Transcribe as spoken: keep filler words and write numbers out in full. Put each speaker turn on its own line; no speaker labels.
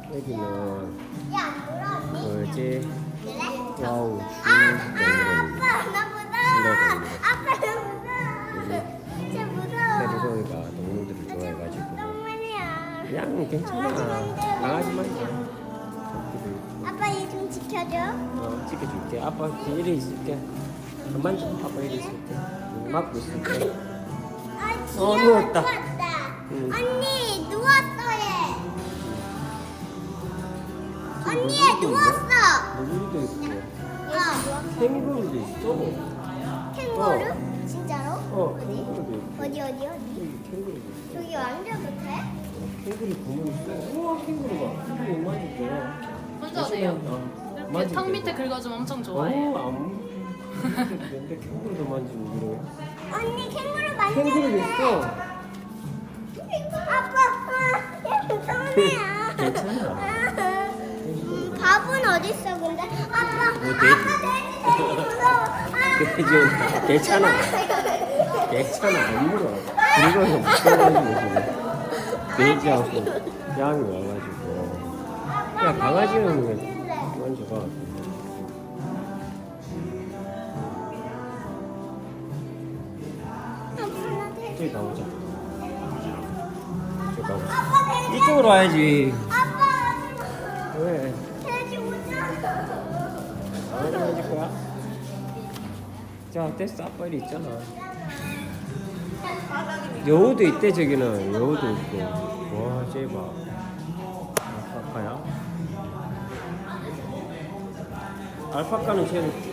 여기는
야, 물어 언니.
뭐지?
그래?
와우
아, 아, 아빠 나 무서워. 아빠 나 무서워. 진짜 무서워.
세리소이가 동물들을 좋아해가지고
똥만이야.
그냥 괜찮아. 강아지 말이야.
아빠 얘 좀 지켜줘.
어, 찍어줄게. 아빠 이리 있을게. 그만 좀 아빠 이리 있을게. 응, 막고 있을게.
아,
어,
귀여워.
누웠다.
누웠다.
응.
언니 누웠어 얘. 언니 얘
물고기도
누웠어.
물고기도 있고
어.
캥거루도 있어.
캥거루?
어.
진짜로?
어,
어디?
캥거루도 있고.
어디 어디 어디?
여기 캥거루도 있어.
저기 왕자도 돼?
캥거루 구멍 있어. 우와, 캥거루가. 캥거루 만질게.
혼자 돼요.
어,
이렇게
만질게.
턱 밑에 긁어주면 엄청 좋아해요.
어, 안. 근데 캥거루도 만지고 그래.
언니 캥거루 만져도
캥거루도
돼.
있어.
아빠, 아, 얘 무서워요.
괜찮아.
음, 밥은 어디 있어 근데? 아빠,
뭐, 돼지.
아빠 돼지 돼지 무서워. 아,
돼지 온다. 괜찮아. 괜찮아. 안 물어. 그리고 무서워가지고 지금. 돼지하고 양이 와가지고. 야, 강아지는 왜 만져봐. 저기 가보자. 저기 가보자.
아빠 돼지.
이쪽으로 와야지.
아빠
왜?
돼지 오잖아.
강아지 만질 거야? 자, 됐어. 아빠 이리 있잖아. 여우도 있대, 저기는. 여우도 있고. 와, 쟤 봐. 알파카야? 알파카는 쟤는